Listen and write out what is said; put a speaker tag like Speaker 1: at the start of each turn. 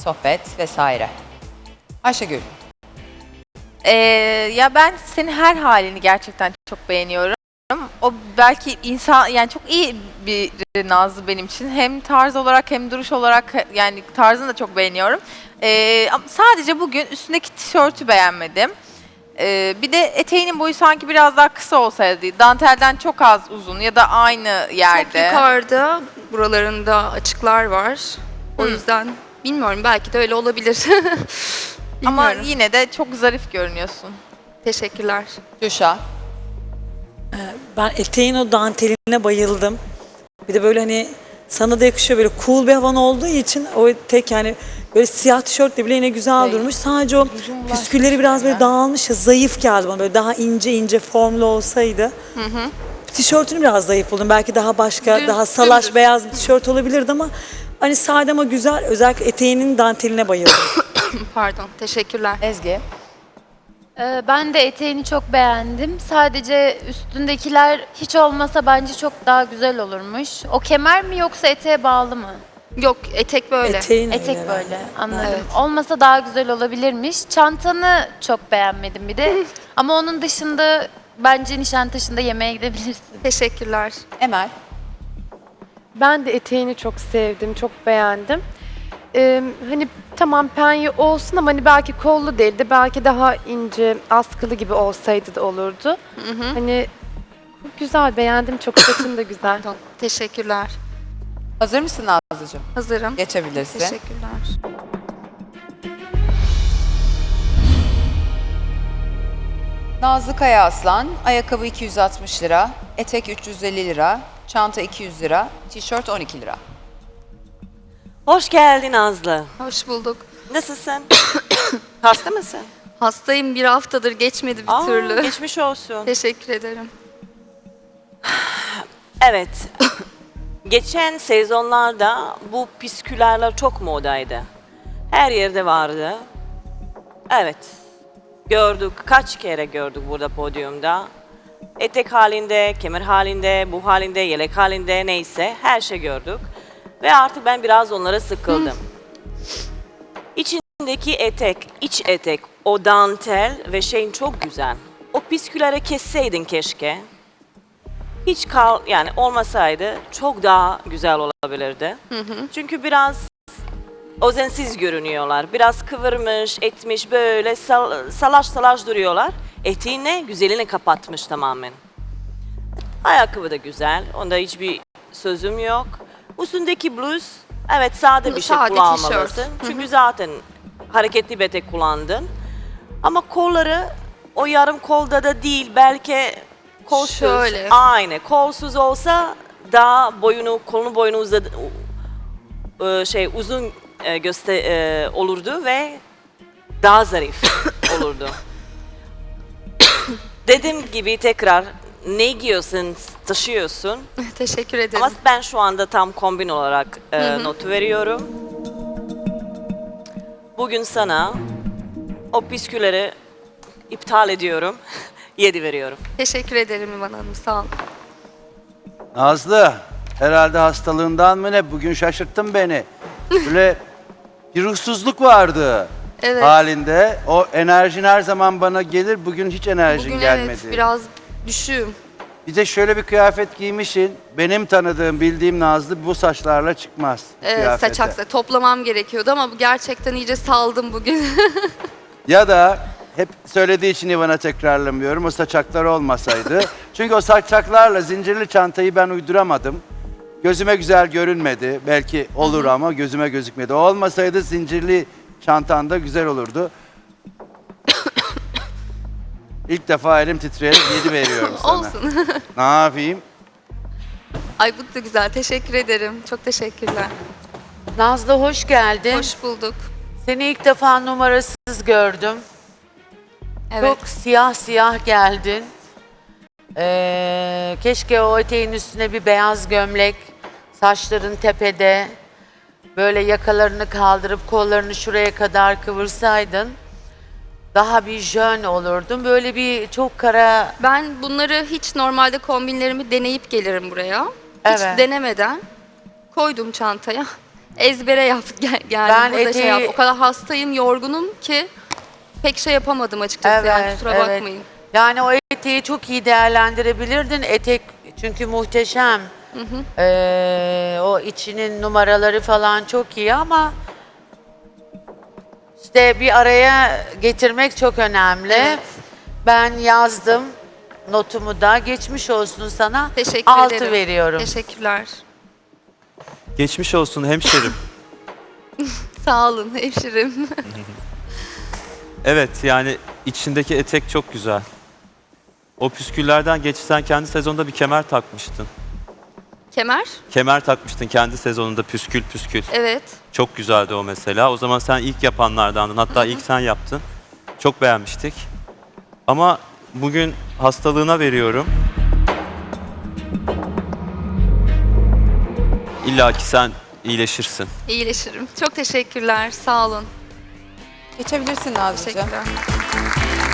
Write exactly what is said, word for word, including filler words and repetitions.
Speaker 1: sohbet vesaire. Ayşegül.
Speaker 2: Ee, ya ben senin her halini gerçekten çok beğeniyorum. O belki insan yani çok iyi bir Nazlı benim için. Hem tarz olarak hem duruş olarak yani tarzını da çok beğeniyorum. Ee, ama sadece bugün üstündeki tişörtü beğenmedim. Ee, bir de eteğinin boyu sanki biraz daha kısa olsaydı. Dantelden çok az uzun ya da aynı yerde.
Speaker 3: Çok yukarıda buralarında açıklar var. O
Speaker 2: Hı.
Speaker 3: yüzden bilmiyorum, belki de öyle olabilir.
Speaker 2: Ama
Speaker 3: Bilmiyorum.
Speaker 2: yine de çok zarif görünüyorsun.
Speaker 3: Teşekkürler.
Speaker 1: Gülşah.
Speaker 4: Ben eteğin o danteline bayıldım. Bir de böyle hani sana da yakışıyor, böyle cool bir havan olduğu için o etek yani böyle siyah tişörtle bile yine güzel durmuş. Sadece o püskülleri biraz böyle dağılmış ya, zayıf geldi bana, böyle daha ince ince formlu olsaydı. Hı hı. Tişörtünü biraz zayıf buldum. Belki daha başka,
Speaker 3: Düz,
Speaker 4: daha salaş
Speaker 3: dümdüz.
Speaker 4: beyaz bir tişört olabilirdi ama hani sade ama güzel. Özellikle eteğinin danteline bayıldım.
Speaker 3: Pardon, teşekkürler.
Speaker 1: Ezgi.
Speaker 5: Ee, Ben de eteğini çok beğendim. Sadece üstündekiler hiç olmasa bence çok daha güzel olurmuş. O kemer mi yoksa eteğe bağlı mı?
Speaker 3: Yok, etek böyle.
Speaker 4: Eteğin öyle
Speaker 5: Etek
Speaker 4: herhalde.
Speaker 5: böyle, anladım.
Speaker 3: Evet.
Speaker 5: Olmasa daha güzel olabilirmiş. Çantanı çok beğenmedim bir de. Ama onun dışında bence Nişantaşı'nda yemeğe gidebilirsin.
Speaker 3: Teşekkürler.
Speaker 1: Emel.
Speaker 6: Ben de eteğini çok sevdim, çok beğendim. Ee, hani tamam penye olsun ama hani belki kollu değil de belki daha ince, askılı gibi olsaydı da olurdu. Hani güzel, beğendim çok, saçın da güzel.
Speaker 3: Pardon, teşekkürler.
Speaker 1: Hazır mısın Nazlıcığım?
Speaker 3: Hazırım.
Speaker 1: Geçebilirsin.
Speaker 3: Teşekkürler.
Speaker 1: Nazlı Kaya Aslan, ayakkabı iki yüz altmış lira, etek üç yüz elli lira, çanta iki yüz lira, tişört on iki lira.
Speaker 7: Hoş geldin Nazlı.
Speaker 3: Hoş bulduk.
Speaker 7: Nasılsın? Hasta mısın?
Speaker 3: Hastayım, bir haftadır geçmedi bir
Speaker 7: Aa,
Speaker 3: türlü.
Speaker 7: geçmiş olsun.
Speaker 3: Teşekkür ederim.
Speaker 7: Evet. Geçen sezonlarda bu püsküllerler çok modaydı. Her yerde vardı. Evet. Gördük. Kaç kere gördük burada podyumda. Etek halinde, kemer halinde, bu halinde, yelek halinde neyse her şey gördük. Ve artık ben biraz onlara sıkıldım. İçindeki etek, iç etek, o dantel ve şeyin çok güzel. O püskülleri kesseydin keşke. Hiç kal yani olmasaydı çok daha güzel olabilirdi. Çünkü biraz özensiz görünüyorlar. Biraz kıvırmış, etmiş böyle sal, salaş salaş duruyorlar. Eteğini güzelini kapatmış tamamen. Ayakkabı da güzel. Onda hiçbir sözüm yok. Üstündeki bluz, evet sade bir şey
Speaker 3: Sade
Speaker 7: kullanmalısın.
Speaker 3: tişört.
Speaker 7: Çünkü zaten hareketli bir etek kullandın. Ama kolları o yarım kolda da değil, belki kolsuz.
Speaker 3: Şöyle.
Speaker 7: Aynı. Kolsuz olsa daha boyunu, kolunu boyunu uzadı, e, şey uzun e, göster e, olurdu ve daha zarif olurdu. Dediğim gibi tekrar ne giyiyorsun, taşıyorsun.
Speaker 3: Teşekkür ederim.
Speaker 7: Ama ben şu anda tam kombin olarak e, notu veriyorum. Bugün sana o püskülleri iptal ediyorum. yedi veriyorum.
Speaker 3: Teşekkür ederim İvan Hanım, sağ olun.
Speaker 8: Nazlı, herhalde hastalığından mı ne? Bugün şaşırttın beni. Böyle bir ruhsuzluk vardı
Speaker 3: Evet.
Speaker 8: halinde. O enerjin her zaman bana gelir. Bugün hiç enerjin
Speaker 3: Bugün
Speaker 8: gelmedi.
Speaker 3: evet, biraz düşüğüm.
Speaker 8: Bir de şöyle bir kıyafet giymişsin. Benim tanıdığım, bildiğim Nazlı bu saçlarla çıkmaz. bu
Speaker 3: Evet,
Speaker 8: kıyafete.
Speaker 3: saçaksa toplamam gerekiyordu ama bu gerçekten iyice saldım bugün.
Speaker 8: Ya da hep söylediği için İvan'a tekrarlamıyorum. O saçaklar olmasaydı. Çünkü o saçaklarla zincirli çantayı ben uyduramadım. Gözüme güzel görünmedi. Belki olur ama gözüme gözükmedi. O olmasaydı zincirli çantanda güzel olurdu. İlk defa elim titreyerek yedi veriyorum sana.
Speaker 3: Olsun.
Speaker 8: Ne yapayım?
Speaker 3: Ay bu da güzel, teşekkür ederim. Çok teşekkürler.
Speaker 9: Nazlı hoş geldin.
Speaker 3: Hoş bulduk.
Speaker 9: Seni ilk defa numarasız gördüm.
Speaker 3: Evet.
Speaker 9: Çok siyah siyah geldin. Ee, keşke o eteğin üstüne bir beyaz gömlek, saçların tepede, böyle yakalarını kaldırıp kollarını şuraya kadar kıvırsaydın. Daha bir jön olurdun. Böyle bir çok kara...
Speaker 3: Ben bunları hiç normalde kombinlerimi deneyip gelirim buraya. Hiç
Speaker 9: Evet.
Speaker 3: denemeden koydum çantaya. ezbere yaptık gel geldim
Speaker 9: Ben
Speaker 3: burada şey
Speaker 9: eteği-
Speaker 3: yap. O kadar hastayım, yorgunum ki pek şey yapamadım açıkçası yani
Speaker 9: Evet,
Speaker 3: kusura
Speaker 9: evet.
Speaker 3: bakmayın.
Speaker 9: Yani o eteği çok iyi değerlendirebilirdin. Etek çünkü muhteşem. Ee, o içinin numaraları falan çok iyi ama işte bir araya getirmek çok önemli.
Speaker 3: Evet.
Speaker 9: Ben yazdım notumu da. Geçmiş olsun sana.
Speaker 3: Teşekkür
Speaker 9: Altı
Speaker 3: ederim.
Speaker 9: veriyorum.
Speaker 3: Teşekkürler.
Speaker 10: Geçmiş olsun hemşerim.
Speaker 3: Sağ olun hemşirim.
Speaker 10: Evet yani içindeki etek çok güzel. O püsküllerden geç sen kendi sezonda bir kemer takmıştın.
Speaker 3: Kemer?
Speaker 10: Kemer takmıştın kendi sezonunda püskül püskül.
Speaker 3: Evet.
Speaker 10: Çok güzeldi o mesela. O zaman sen ilk yapanlardandın. Hatta ilk sen yaptın. Çok beğenmiştik. Ama bugün hastalığına veriyorum. İlla ki sen iyileşirsin.
Speaker 3: İyileşirim. Çok teşekkürler. Sağ olun.
Speaker 1: Geçebilirsin Nazlıcığım.
Speaker 3: Teşekkürler.